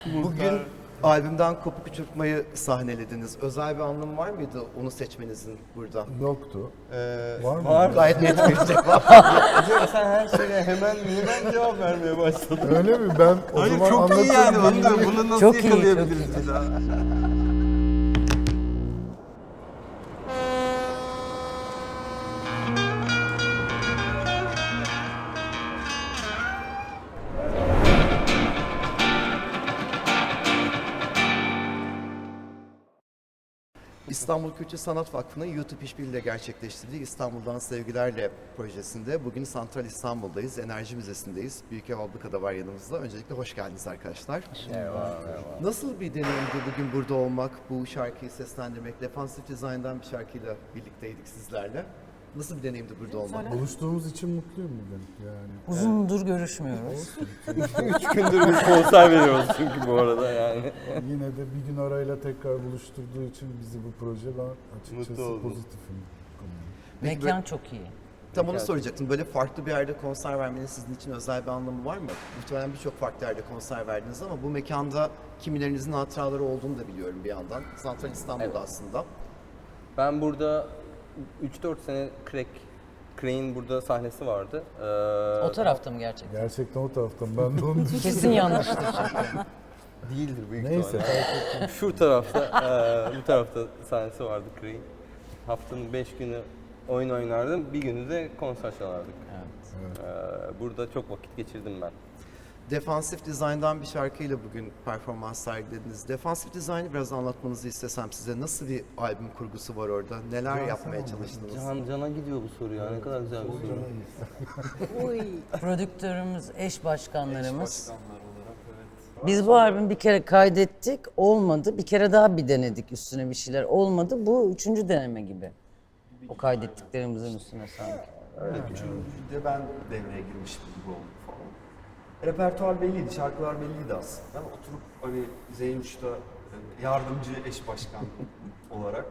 Bugün albümden Kopuk Uçurtmayı sahnelediniz. Özel bir anlamı var mıydı onu seçmenizin burada? Yoktu. Var mı? Var. Gayet net bir cevap. Sen her şeye hemen cevap vermeye başladın. Öyle mi? Ben o Hayır zaman çok iyi yani. anlatayım. Bunu nasıl Çok iyi, yakalayabiliriz bir daha? İstanbul Kültür Sanat Vakfı'nın YouTube işbirliğiyle gerçekleştirdiği İstanbul'dan Sevgilerle projesinde bugün Santral İstanbul'dayız, Enerji Müzesi'ndeyiz. Büyükev Abluka'da var yanımızda. Öncelikle hoş geldiniz arkadaşlar. Merhaba. Nasıl bir deneyimdi bugün burada olmak, bu şarkıyı seslendirmek? Defansif Design'dan bir şarkıyla birlikteydik sizlerle. Nasıl bir deneyimdi burada olmak? Buluştuğumuz için mutluyum bugün yani. Uzundur görüşmüyoruz. 3 gündür bir konser veriyoruz çünkü bu arada yani. Yine de bir gün arayla tekrar buluşturduğu için bizi bu proje ben açıkçası Mutlu oldum. pozitifim. Peki Mekan çok iyi. Tam onu soracaktım. Böyle farklı bir yerde konser vermenin sizin için özel bir anlamı var mı? Muhtemelen birçok farklı yerde konser verdiniz ama bu mekanda kimilerinizin hatıraları olduğunu da biliyorum bir yandan. Santral İstanbul'da Evet. aslında. Ben burada 3-4 sene Crane'in burada sahnesi vardı. O tarafta mı gerçekten? Gerçekten o taraftan ben de onu düşünüyorum. Kesin yanlıştır çünkü. Değildir büyük Neyse ihtimalle. fark etmez. Şu tarafta, bu tarafta sahnesi vardı Crane. Haftanın 5 günü oyun oynardım, bir günü de konser çalardık. Burada çok vakit geçirdim ben. Defansif Design'dan bir şarkıyla bugün performans sergilediniz. Defansif Design'ı biraz anlatmanızı istesem size. Nasıl bir albüm kurgusu var orada? Neler yapmaya çalıştınız? Cana gidiyor bu soru ya, ne kadar güzel bir soru. Prodüktörümüz, eş başkanlarımız. Biz bu albümü bir kere kaydettik, olmadı. Bir kere daha bir denedik üstüne bir şeyler, olmadı. Bu üçüncü deneme gibi. O kaydettiklerimizin üstüne sanki. Üçüncüde ben devreye girmiştim gibi oldu falan. Repertuar belliydi, şarkılar belliydi aslında. Oturup hani Zeynuş'ta yardımcı eş başkan olarak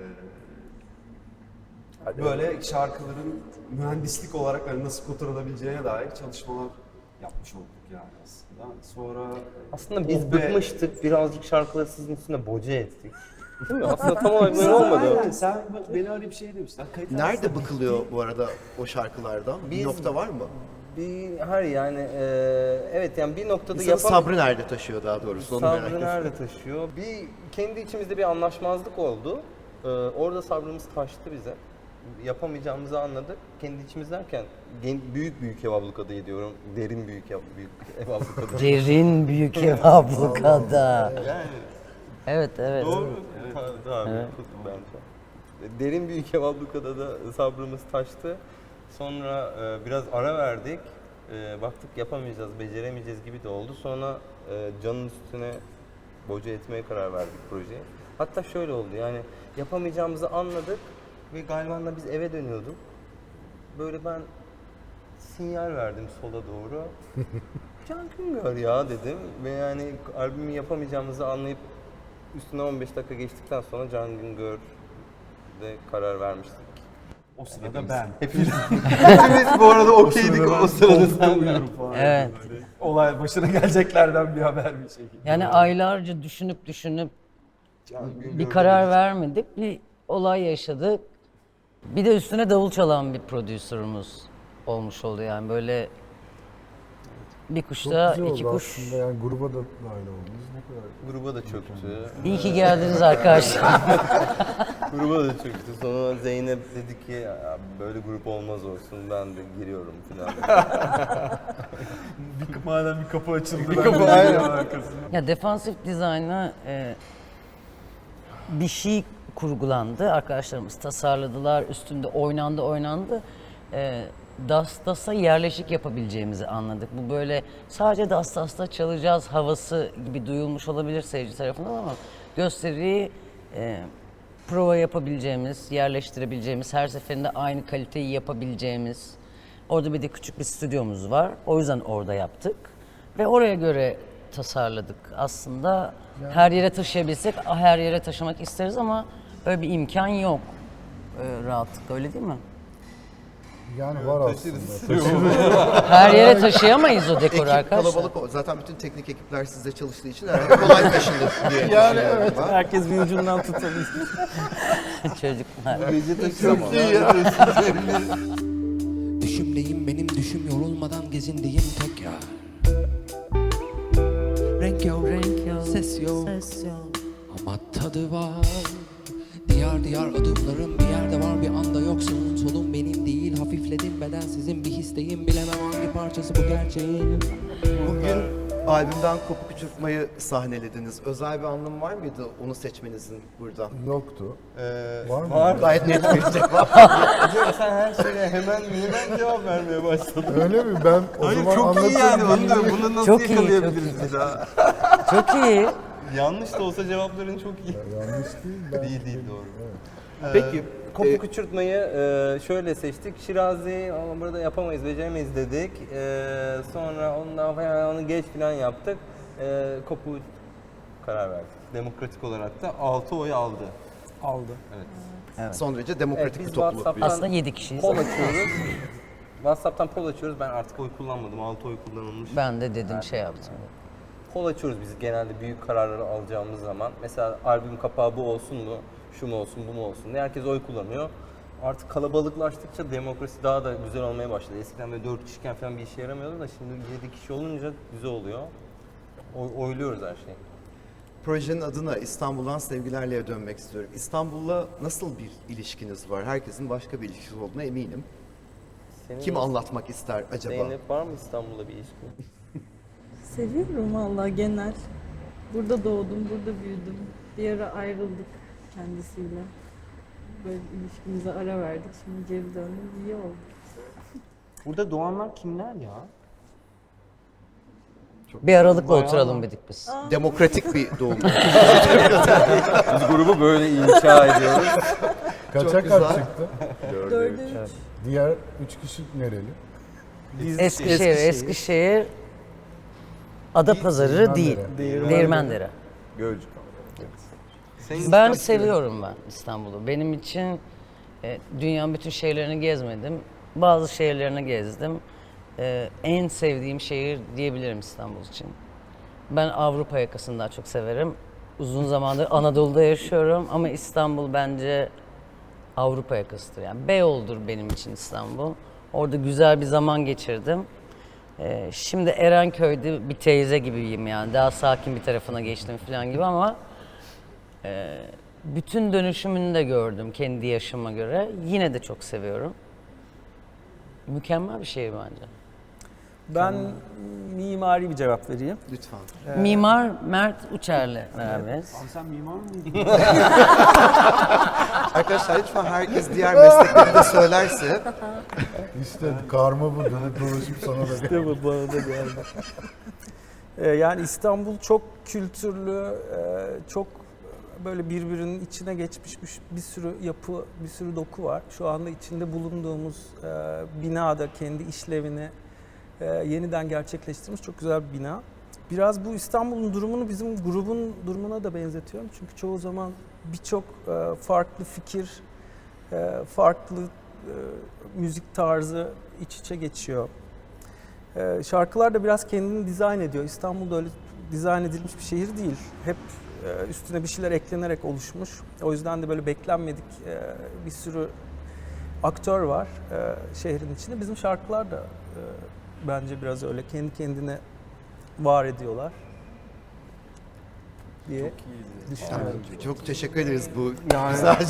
böyle şarkıların mühendislik olarak hani nasıl kotarılabileceğine dair çalışmalar yapmış olduk yani aslında. Sonra Aslında biz Oh be. bıkmıştık, birazcık şarkıları sizin üstüne boca ettik. Değil mi? Aslında tam olarak böyle olmadı. Aynen, sen beni öyle bir şey demiştin. Kayıt Nerede arasında bıkılıyor bu arada o şarkılardan? Bir Biz- nokta var mı? Hayır yani evet yani bir noktada İnsanın sabrı nerede taşıyor daha doğrusu? Onu merak Sabrı ediyorum. nerede taşıyor? Kendi içimizde bir anlaşmazlık oldu. Orada sabrımız taştı bize. Yapamayacağımızı anladık. Kendi içimiz derken büyük ev ablukada diyorum. Derin büyük ev ablukada. Derin büyük ev ablukada. Yani Evet, evet. doğru. Tabii, bence. Derin büyük ev ablukada da sabrımız taştı. Sonra biraz ara verdik. Baktık yapamayacağız, beceremeyeceğiz gibi de oldu. Sonra Can'ın üstüne boca etmeye karar verdik projeyi. Hatta şöyle oldu yani yapamayacağımızı anladık ve galiba da biz eve dönüyorduk. Böyle ben sinyal verdim sola doğru. Can Güngör ya dedim ve yani albümü yapamayacağımızı anlayıp üstüne 15 dakika geçtikten sonra Can Güngör'de karar vermiştik. O sırada ben. Hepimiz bu arada okeydik o sırada sen. uyuyorum falan. Evet. Böyle olay başına geleceklerden bir haber bir şekilde. Yani aylarca düşünüp bir karar vermedik, bir olay yaşadık. Bir de üstüne davul çalan bir prodüserimiz olmuş oldu yani böyle bir Çok kuşta güzel iki oldu kuş. aslında yani gruba da dahil oldunuz. Ne kadar Gruba da çöktü. İyi ki geldiniz arkadaşlar. Gruba da çöktü. Sonra Zeynep dedi ki "Ya böyle grup olmaz olsun ben de giriyorum falan. Madem bir kapı açıldı. Bir kapı aynen. Ya defansif dizayna bir şey kurgulandı. Arkadaşlarımız tasarladılar. Üstünde oynandı. Dastas'a yerleşik yapabileceğimizi anladık. Bu böyle sadece Dastas'ta çalacağız havası gibi duyulmuş olabilir seyirci tarafından ama gösteriyi prova yapabileceğimiz, yerleştirebileceğimiz, her seferinde aynı kaliteyi yapabileceğimiz. Orada bir de küçük bir stüdyomuz var. O yüzden orada yaptık. Ve oraya göre tasarladık. Aslında her yere taşıyabilsek her yere taşımak isteriz ama öyle bir imkan yok. Rahatlıkla öyle değil mi? Yani var Taşırız. aslında. Her yere taşıyamayız o dekoru Ekip arkadaşlar. kalabalık zaten bütün teknik ekipler sizde çalıştığı için herhalde kolay taşınır diye düşünüyorum ben. Herkes bir ucundan tutabilir. Çocuklar. Düşümdeyim benim düşüm yorulmadan gezindeyim tekrar. Renk yok, ses yok, ama tadı var. Diyar diyar adımlarım bir yerde var, bir anda yok, sağım solum benim değil. Hafifledim bedensizim, bir histeyim, bilemem hangi parçası bu gerçeğin. Bugün albümden Kopuk Uçurtmayı sahnelediniz. Özel bir anlamı var mıydı onu seçmenizin burada? Yoktu. Var mı? Var. Gayet net bir cevap. Hocam sen her şeye hemen cevap vermeye başladın. Öyle mi? Ben o Hayır zaman çok iyi yani. anlatayım. Bunu, bunu nasıl Çok iyi, yakalayabiliriz bir daha? Çok iyi. Yanlış da olsa cevapların çok iyi. Yanlış değil. Ben Değil doğru. Peki, Kopuk uçurtmayı şöyle seçtik. Şirazi ama burada yapamayız, beceremeyiz dedik. Sonra ondan falan onu geç falan yaptık. Kopuğu karar verdik. Demokratik olarak da 6 oy aldı. Aldı. son derece demokratik Evet, bir biz topluluk. WhatsApp'tan Aslında 7 kişiyiz. poll açıyoruz. WhatsApp'tan poll açıyoruz. Ben artık oy kullanmadım. 6 oy kullanılmış. Ben de dedim şey yaptım. Poll açıyoruz biz genelde büyük kararları alacağımız zaman. Mesela albüm kapağı bu olsun mu, şu mu olsun, bu mu olsun diye herkes oy kullanıyor. Artık kalabalıklaştıkça demokrasi daha da güzel olmaya başladı. Eskiden böyle 4 kişiyken falan bir işe yaramıyordu da şimdi 7 kişi olunca güzel oluyor. Oyluyoruz her şeyi. Projenin adına İstanbul'dan sevgilerle dönmek istiyorum. İstanbul'la nasıl bir ilişkiniz var? Herkesin başka bir ilişkisi olduğuna eminim. Senin Kim anlatmak ister acaba? Zeynep var mı İstanbul'da bir ilişkin? Seviyorum vallahi genel. Burada doğdum, burada büyüdüm. Bir ara ayrıldık kendisiyle. Böyle ilişkimize ara verdik. Şimdi geri döndüm. İyi oldu. Burada doğanlar kimler ya? Bir aralıkla oturalım dedik biz. Demokratik bir doğum. Biz grubu böyle inşa ediyoruz. Kaça Çok kaç güzel. çıktı? 4'e 3. Diğer 3 kişi nereli? Eskişehir, Adapazarı değil. Değirmendere. Gölcük. Ben seviyorum İstanbul'u. Benim için dünyanın bütün şehirlerini gezmedim. Bazı şehirlerini gezdim. En sevdiğim şehir diyebilirim İstanbul için. Ben Avrupa yakasını daha çok severim. Uzun zamandır Anadolu'da yaşıyorum ama İstanbul bence Avrupa yakasıdır. Yani Beyoğlu'dur benim için İstanbul. Orada güzel bir zaman geçirdim. Şimdi Erenköy'de bir teyze gibiyim yani. Daha sakin bir tarafına geçtim falan gibi ama bütün dönüşümünü de gördüm kendi yaşıma göre. Yine de çok seviyorum. Mükemmel bir şehir bence. Ben mimari bir cevap vereyim. Lütfen. Mimar Mert Uçer'le beraberiz. Sen mimar mıydın? Arkadaşlar lütfen herkes diğer mesleklerini de söylerse. İşte karma bu. Dönüp dolaşıp sana da İşte bu bana da geldi. Yani İstanbul çok kültürlü, çok böyle birbirinin içine geçmiş bir sürü yapı, bir sürü doku var. Şu anda içinde bulunduğumuz binada kendi işlevini yeniden gerçekleştirmiş çok güzel bir bina. Biraz bu İstanbul'un durumunu bizim grubun durumuna da benzetiyorum. Çünkü çoğu zaman birçok farklı fikir, farklı müzik tarzı iç içe geçiyor. Şarkılar da biraz kendini dizayn ediyor. İstanbul'da öyle dizayn edilmiş bir şehir değil. Hep üstüne bir şeyler eklenerek oluşmuş. O yüzden de böyle beklenmedik bir sürü aktör var şehrin içinde. Bizim şarkılar da bence biraz öyle kendi kendine var ediyorlar diye düşünüyorum. Çok teşekkür ederiz bu güzel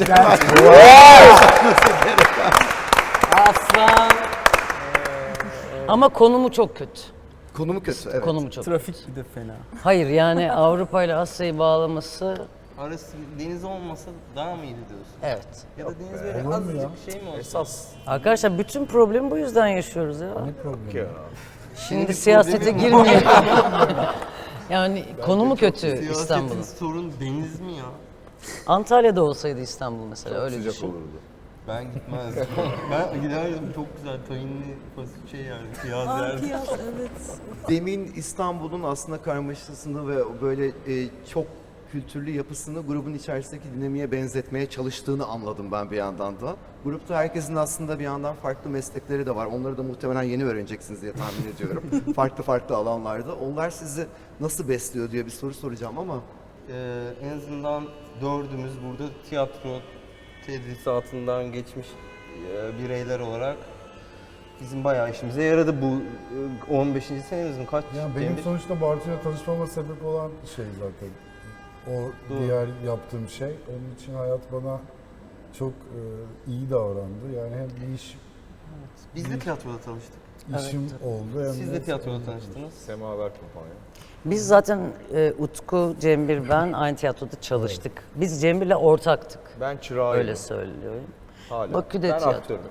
Aslan! Ama konumu çok kötü. Konumu kötü, evet. Konumu çok Trafik bir de fena. Hayır yani Avrupa ile Asya'yı bağlaması Arası deniz olmasa daha mı iyiydi diyorsun? evet. Ya da deniz böyle olur mu ya? azıcık bir şey mi olsa? Esas Arkadaşlar bütün problemi bu yüzden yaşıyoruz ya. ne problemi? Şimdi siyasete girmeyelim. Yani konumu kötü Siyasetin İstanbul'un. sorun deniz mi ya? Antalya'da olsaydı İstanbul mesela öyle düşün. Ben gitmezdim. Ben giderdim, çok güzel tayinli fasulye yerdik, yaz yerdik. Piyaz evet. Demin İstanbul'un aslında karmaşasını ve böyle çok kültürlü yapısını grubun içerisindeki dinamiğe benzetmeye çalıştığını anladım ben bir yandan da. Grupta herkesin aslında bir yandan farklı meslekleri de var. Onları da muhtemelen yeni öğreneceksiniz diye tahmin ediyorum. farklı farklı alanlarda. Onlar sizi nasıl besliyor diye bir soru soracağım ama En azından dördümüz burada tiyatro tedrisatından geçmiş bireyler olarak bizim bayağı işimize yaradı bu 15. senemiz mi kaç? Yani benim Cemil? sonuçta Bartu'ya tanışmama sebep olan şey zaten. O Doğru. diğer yaptığım şey. Onun için hayat bana çok iyi davrandı. Yani hem bir Biz de tiyatroda tanıştık. işim oldu hem Siz de tiyatroda tanıştınız. Semaver Kumpanya. Biz zaten Utku, Cembir, ben aynı tiyatroda çalıştık. Biz Cembir'le ortaktık. Ben çırağıyım. Öyle söylüyorum. Hala. Bakü'de ben tiyatro. aktörüm.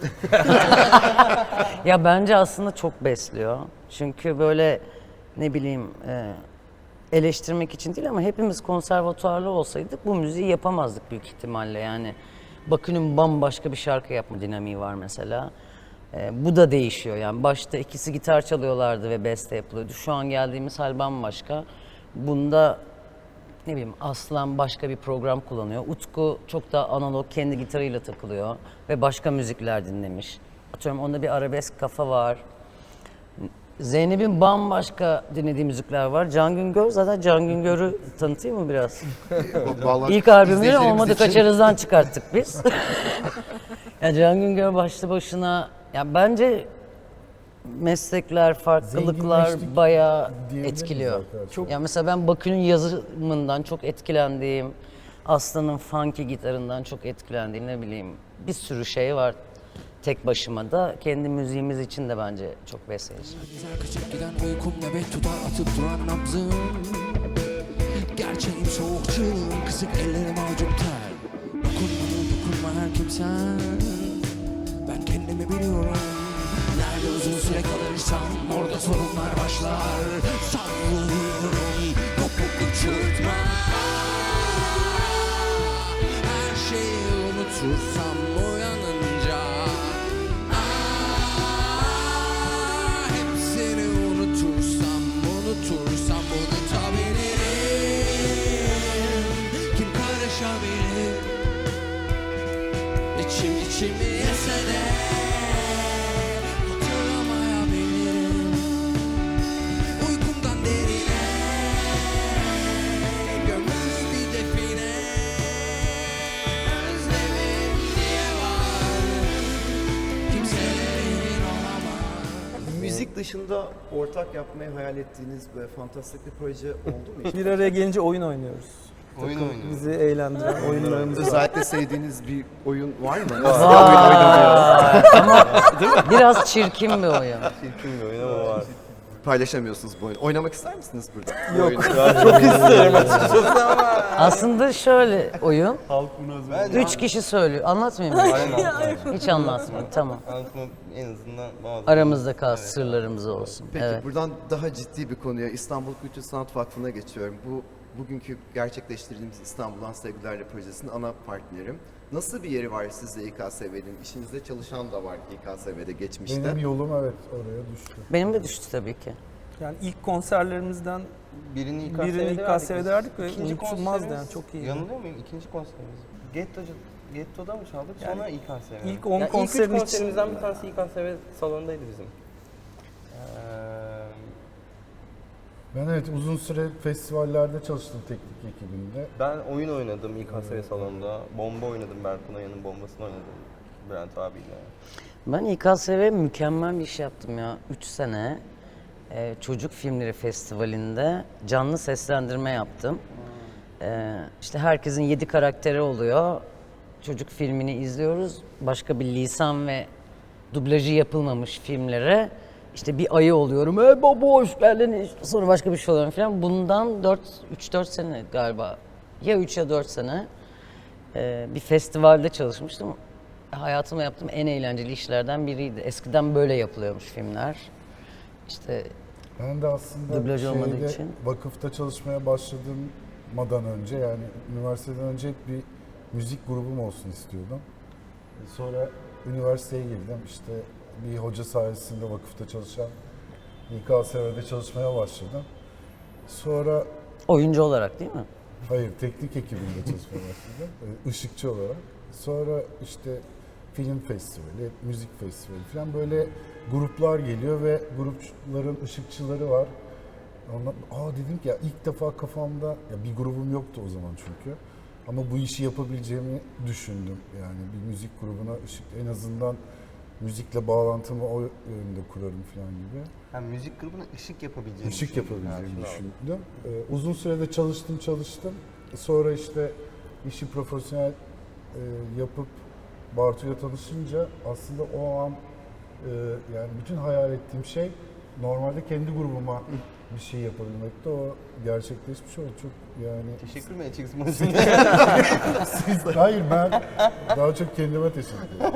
Ya bence aslında çok besliyor. Çünkü böyle ne bileyim eleştirmek için değil ama hepimiz konservatuarlı olsaydık bu müziği yapamazdık büyük ihtimalle. Yani Bakü'nün bambaşka bir şarkı yapma dinamiği var mesela. Bu da değişiyor yani. Başta ikisi gitar çalıyorlardı ve beste yapılıyordu. Şu an geldiğimiz hal bambaşka. Bunda ne bileyim Aslan başka bir program kullanıyor. Utku çok daha analog kendi gitarıyla takılıyor ve başka müzikler dinlemiş. Atıyorum onda bir arabesk kafa var. Zeynep'in bambaşka dinlediği müzikler var. Can Güngör zaten Can Güngör'ü tanıtayım mı biraz? vallahi İlk albümünü izleyicilerimiz olmadı için- kaçarızdan çıkarttık biz. Ya Can Güngör başlı başına ya bence meslekler, farklılıklar Zenginleştik bayağı diyebiliriz etkiliyor. arkadaşlar. Çok. Ya mesela ben Bakü'nün yazımından çok etkilendiğim, Aslan'ın funky gitarından çok etkilendiğim ne bileyim bir sürü şey var. Tek başıma da kendi müziğimiz için de bence çok besleyici. Güzel kaçıp giden uykum nöbet tutar atıp duran nabzım. Gerçeğim soğuk çığlığım kısık ellerim avucum ter. Dokunma her kimsen. Ben kendimi biliyorum. Nerede uzun süre kalırsam orada sorunlar başlar. Savruluyorum topuk uçurtma. Her şeyi unutursam uyanınca. Hepsini unutursam unutabilirim. Kim karışabilir? İçimi yese de hatırlamayabilirim. Uykumdan derine gömülü bir define. Özlemim diye var, kimselerin olamaz. Müzik dışında ortak yapmayı hayal ettiğiniz böyle fantastik bir proje oldu mu hiç? Bir araya gelince oyun oynuyoruz. Oyun oynuyoruz. Bizi eğlendiren oyunlarımız var. Özellikle sevdiğiniz bir oyun var mı? Biraz çirkin bir oyun. Çirkin bir oyun ama var. Paylaşamıyorsunuz bu oyunu. Oynamak ister misiniz burada? Yok. Çok isterim açıkçası ama. Aslında şöyle oyun. Halk bunu özledi. 3 kişi söylüyor. Anlatmayayım mı? Hiç anlatmayayım. Tamam. Anlatma en azından bazı. Aramızda kalsın, sırlarımız olsun. Peki Evet. buradan daha ciddi bir konuya İstanbul Kültür Sanat Vakfı'na geçiyorum. Bugünkü gerçekleştirdiğimiz İstanbul'dan Sevgilerle projesinin ana partnerim. Nasıl bir yeri var sizde İKSV'nin? İşinizde çalışan da var İKSV'de geçmişte. benim yolum evet oraya düştü. Benim de düştü tabii ki. Yani ilk konserlerimizden Birini birini İKSV'de verdik ve İkinci unutulmazdı konserimiz- yani çok iyi. Yanılıyor muyum? İkinci konserimiz. Getto'da mı çaldık? Yani Sonra İKSV. ilk 10 yani konserin ilk üç için- konserimizden bir tanesi İKSV salonundaydı bizim. Ben evet uzun süre festivallerde çalıştım teknik ekibinde. Ben oyun oynadım İKSV salonunda. Bomba oynadım. Berkun Oya'nın bombasını oynadım. Bülent abiyle. Ben İKSV mükemmel bir iş yaptım ya. 3 sene Çocuk Filmleri Festivali'nde canlı seslendirme yaptım. İşte herkesin 7 karakteri oluyor. Çocuk filmini izliyoruz. Başka bir lisan ve dublajı yapılmamış filmlere işte bir ayı oluyorum. Baba hoş geldin. Sonra başka bir şey oluyorum falan. Bundan 3-4 sene galiba. Ya 3 ya 4 sene bir festivalde çalışmıştım. Hayatımda yaptığım en eğlenceli işlerden biriydi. Eskiden böyle yapılıyormuş filmler. İşte Ben de aslında Dublaj olmadığı için. vakıfta çalışmaya başladığımdan önce yani üniversiteden önce hep bir müzik grubum olsun istiyordum. Sonra üniversiteye girdim. İşte bir hoca sayesinde vakıfta çalışan İKSV'de çalışmaya başladım. Sonra oyuncu olarak değil mi? Hayır, teknik ekibinde çalışmaya başladım. Işıkçı olarak. Sonra işte film festivali, müzik festivali falan böyle gruplar geliyor ve grupların ışıkçıları var. Ondan, dedim ki ya ilk defa kafamda, ya bir grubum yoktu o zaman çünkü. Ama bu işi yapabileceğimi düşündüm. Yani bir müzik grubuna ışık, en azından müzikle bağlantımı o yönde kurarım falan gibi. Yani müzik grubuna ışık yapabileceğini Işık düşündüm. yapabileceğimi Ha, şimdi düşündüm. Uzun sürede çalıştım. Sonra işte işi profesyonel yapıp Bartu'yla tanışınca aslında o an yani bütün hayal ettiğim şey normalde kendi grubuma bir şey yapabilmekti. O gerçekleşmiş oldu. Çok yani... Teşekkür mü edeceksin? Hayır, ben daha çok kendime teşekkür ederim.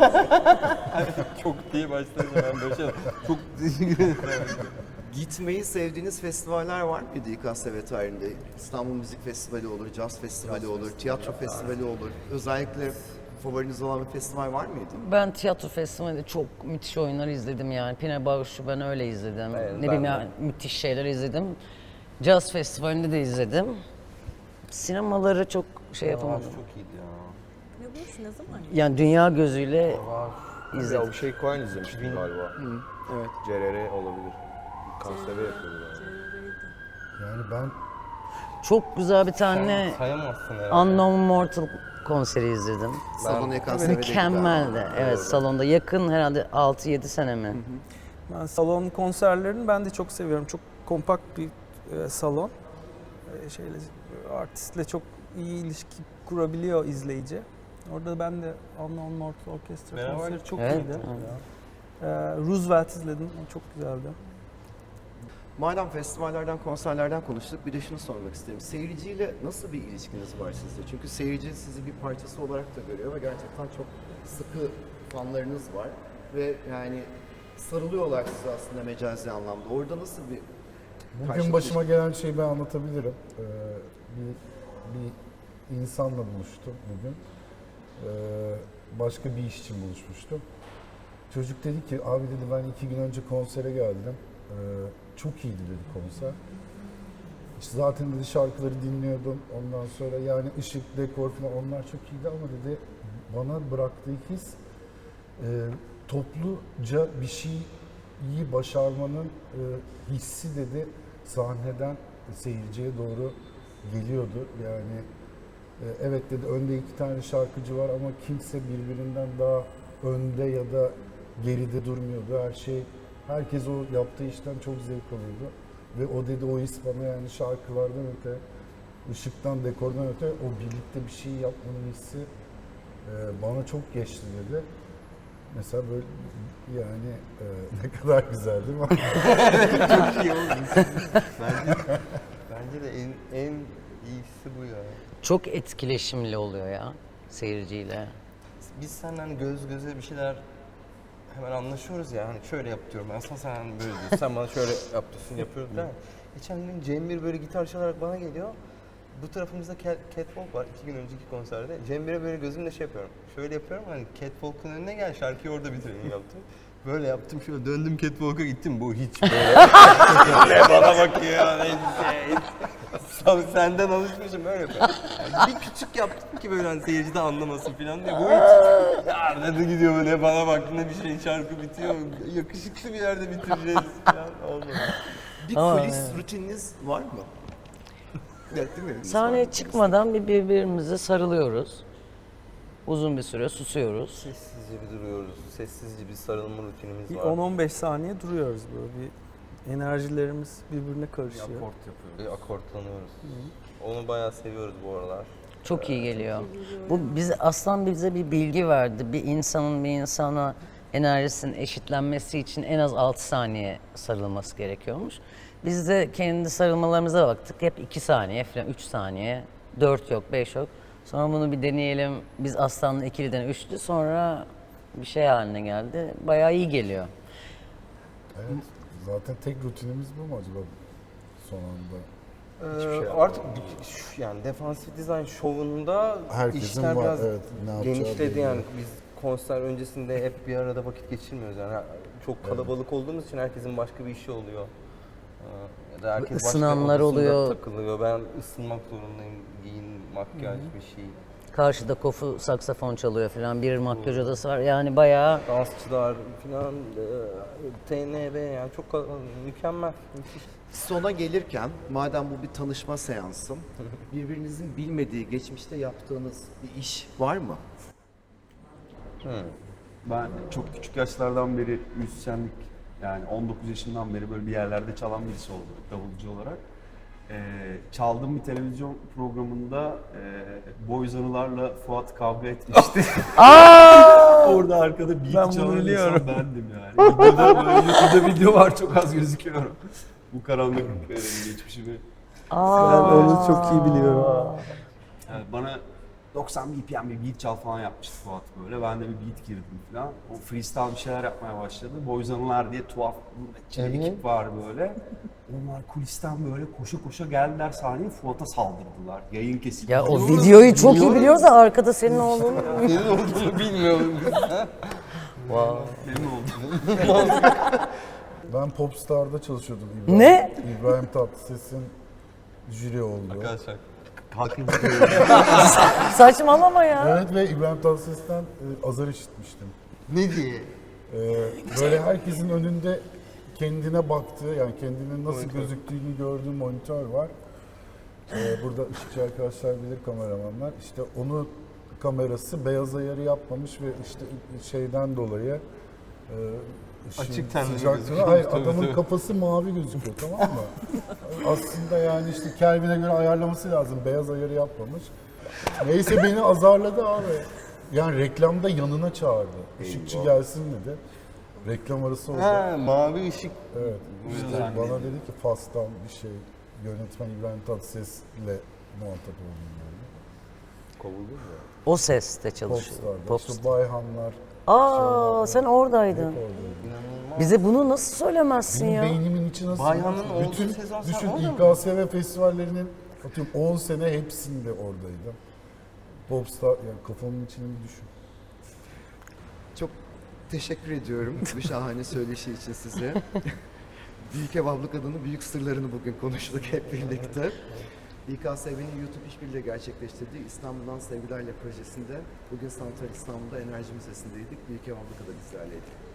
Çok diye başlayınca ben böyle şey çok teşekkür ederim. Gitmeyi sevdiğiniz festivaller var mıydı İKSV tarihinde? İstanbul Müzik Festivali olur, Caz Festivali olur, tiyatro festivali olur. Özellikle favoriniz olan bir festival var mıydı? Ben tiyatro festivalinde çok müthiş oyunlar izledim yani. Pine Bağış'ı ben öyle izledim. Evet, Ne ben bileyim de. yani müthiş şeyler izledim. Caz festivalinde de izledim. Sinemaları çok şey yapamadım. Çok iyiydi ya. Ne bu? Ne zaman? Yani dünya gözüyle Ya izledim. bir şey Cohen izlemiştim galiba. Evet. CRR olabilir. Kanserde yapıyordu yani. Yani ben Çok güzel bir tane Sayamazsın herhalde. Unknown Mortal konseri izledim. Salonu İKSV'de Mükemmeldi. Evet, salonda yakın herhalde 6-7 sene mi? Ben salon konserlerini ben de çok seviyorum. Çok kompakt bir salon. Artistle çok iyi ilişki kurabiliyor izleyici. Orada ben de Unknown Mortal Orchestra Beraber konseri çok Evet, iyiydi. evet. Roosevelt izledim. O çok güzeldi. Madem festivallerden, konserlerden konuştuk, bir de şunu sormak isterim. Seyirciyle nasıl bir ilişkiniz var sizde? Çünkü seyirci sizi bir parçası olarak da görüyor ve gerçekten çok sıkı fanlarınız var. Ve yani sarılıyorlar size aslında mecazi anlamda. Orada nasıl bir bugün karşılıklı başıma gelen şeyi ben anlatabilirim. Bir insanla buluştum bugün. Başka bir iş için buluşmuştum. Çocuk dedi ki, abi dedi ben 2 gün önce konsere geldim. Çok iyiydi dedi konser. İşte zaten dedi şarkıları dinliyordum. Ondan sonra yani ışık, dekor falan onlar çok iyiydi ama dedi bana bıraktığı his topluca bir şeyi başarmanın hissi dedi sahneden seyirciye doğru geliyordu. Yani evet dedi önde 2 tane şarkıcı var ama kimse birbirinden daha önde ya da geride durmuyordu. Herkes o yaptığı işten çok zevk alıyordu. Ve o dedi o his bana yani şarkılardan öte, ışıktan, dekordan öte o birlikte bir şey yapmanın hissi bana çok geçti dedi. Mesela böyle yani ne kadar güzel değil mi? Çok iyi oldu. Bence de en iyisi bu ya. Çok etkileşimli oluyor ya seyirciyle. Biz senden göz göze bir şeyler hemen anlaşıyoruz ya. Hani şöyle yap diyorum ben sana, sen böyle diyorsun. Sen bana şöyle yap diyorsun, yapıyoruz değil mi? Geçen gün Cem böyle gitar çalarak bana geliyor. Bu tarafımızda Catwalk var 2 gün önceki konserde. Cem böyle gözümle şey yapıyorum. Şöyle yapıyorum hani Catwalk'un önüne gel şarkıyı orada bitirelim yaptım. Böyle yaptım şöyle döndüm Catwalk'a gittim. Bu hiç böyle. Ne bana bakıyor ya. Senden alışmışım böyle yapıyor. Yani bir küçük yaptım ki böyle hani seyirci de anlamasın falan diye. Bu hiç nerede gidiyor böyle bana bak ne bir şey şarkı bitiyor. Yakışıklı bir yerde bitireceğiz falan olmadı. bir Aa, kulis evet. rutininiz var mı? Evet, değil mi? Sahneye çıkmadan birbirimize sarılıyoruz. Uzun bir süre susuyoruz. Sessizce bir duruyoruz. Sessizce bir sarılma rutinimiz Bir var. 10-15 saniye duruyoruz böyle. Bir enerjilerimiz birbirine karışıyor. Bir akortlanıyoruz. Onu bayağı seviyoruz bu aralar. Çok iyi geliyor. Bu bize bir bilgi verdi. Bir insanın bir insana enerjisinin eşitlenmesi için en az 6 saniye sarılması gerekiyormuş. Biz de kendi sarılmalarımıza baktık. Hep 2 saniye falan, 3 saniye. 4 yok, 5 yok. Sonra bunu bir deneyelim. Biz Aslan'la ikiliden 3'tü. Sonra bir şey haline geldi. Bayağı iyi geliyor. Evet. Zaten tek rutinimiz bu mu acaba son anda? Artık yani defansif dizayn şovunda Herkesin işler var, biraz evet, ne yapacağı genişledi belli. yani. Biz konser öncesinde hep bir arada vakit geçirmiyoruz yani. Çok kalabalık olduğumuz için herkesin başka bir işi oluyor. Ya da herkes başka Isınanlar odasında oluyor. takılıyor. Ben ısınmak zorundayım. Giyin, makyaj bir şey. Karşıda Kofu saksafon çalıyor falan. Bir makyaj odası var. Yani bayağı Dansçılar falan, TNR yani çok mükemmel. Müthiş. Sona gelirken madem bu bir tanışma seansı, birbirinizin bilmediği geçmişte yaptığınız bir iş var mı? Ben çok küçük yaşlardan beri müzisyenlik, yani 19 yaşından beri böyle bir yerlerde çalan birisi oldum davulcu olarak. Çaldığım bir televizyon programında Boyz Anılar'la Fuat kavga etmişti. Orada arkada beat çalan insan bendim yani. Videoda, böyle YouTube'da video var, çok az gözüküyorum. Bu karanlık geçmişimi. Ben onu çok iyi biliyorum. Yani bana 90 BPM bir beat çal falan yapmıştı Fuat böyle. Ben de bir beat girdim falan. O freestyle bir şeyler yapmaya başladı. Boyz Anılar diye tuhaf bir ekip var böyle. Onlar kulisten böyle koşa koşa geldiler sahneye, Fuat'a saldırdılar. Yayın kesildi. ya o videoyu çok iyi biliyoruz da arkada senin olduğunu. Senin olduğunu bilmiyorum. Benim oldu. Ben Popstar'da çalışıyordum. İbrahim, Ne? İbrahim Tatlıses'in jüri olduğu. Arkadaşlar Saçmalama ya. Evet ve İbrahim Tatlıses'ten azar işitmiştim. Ne diye? Böyle herkesin önünde kendine baktığı, yani kendinin nasıl gözüktüğünü gördüğü monitör var. Burada ışıkçı arkadaşlar bilir, kameramanlar. İşte onu kamerası beyaz ayarı yapmamış ve işte şeyden dolayı Açık tenli sıcaklığına, gözüküyor. hayır, Tabii, adamın tabii. kafası mavi gözüküyor, tamam mı? Aslında yani işte Kelvin'e göre ayarlaması lazım, beyaz ayarı yapmamış. Neyse beni azarladı abi. Yani reklamda yanına çağırdı. Işıkçı gelsin dedi. Reklam arası oldu. ha, mavi ışık. Evet. İşte bana dedi ki Fas'tan bir şey, yönetmen İbrahim Tatlıses'le muhatap oldum böyle. Kovuldun mu? O seste çalışıyor. Popstar'da. Popstar. İşte Bayhanlar. Aa sen oradaydın. Oradaydı. Bize bunu nasıl söylemezsin Benim ya? beynimin içi nasıl? Bayhan'ın olduğu Bütün, sezon sen düşün orada İKSV festivallerinin atıyorum 10 sene hepsinde oradaydım. Popstar, yani kafamın içini bir düşün. Çok teşekkür ediyorum bu şahane söyleşi için size. Büyük Ev Abla Kadın'ın büyük sırlarını bugün konuştuk hep birlikte. İKSV'nin YouTube işbirliğiyle gerçekleştirdiği İstanbul'dan Sevgilerle projesinde bugün Santral İstanbul'da Enerji Müzesi'ndeydik. Büyük Ev Abla Kadın bizlerleydi.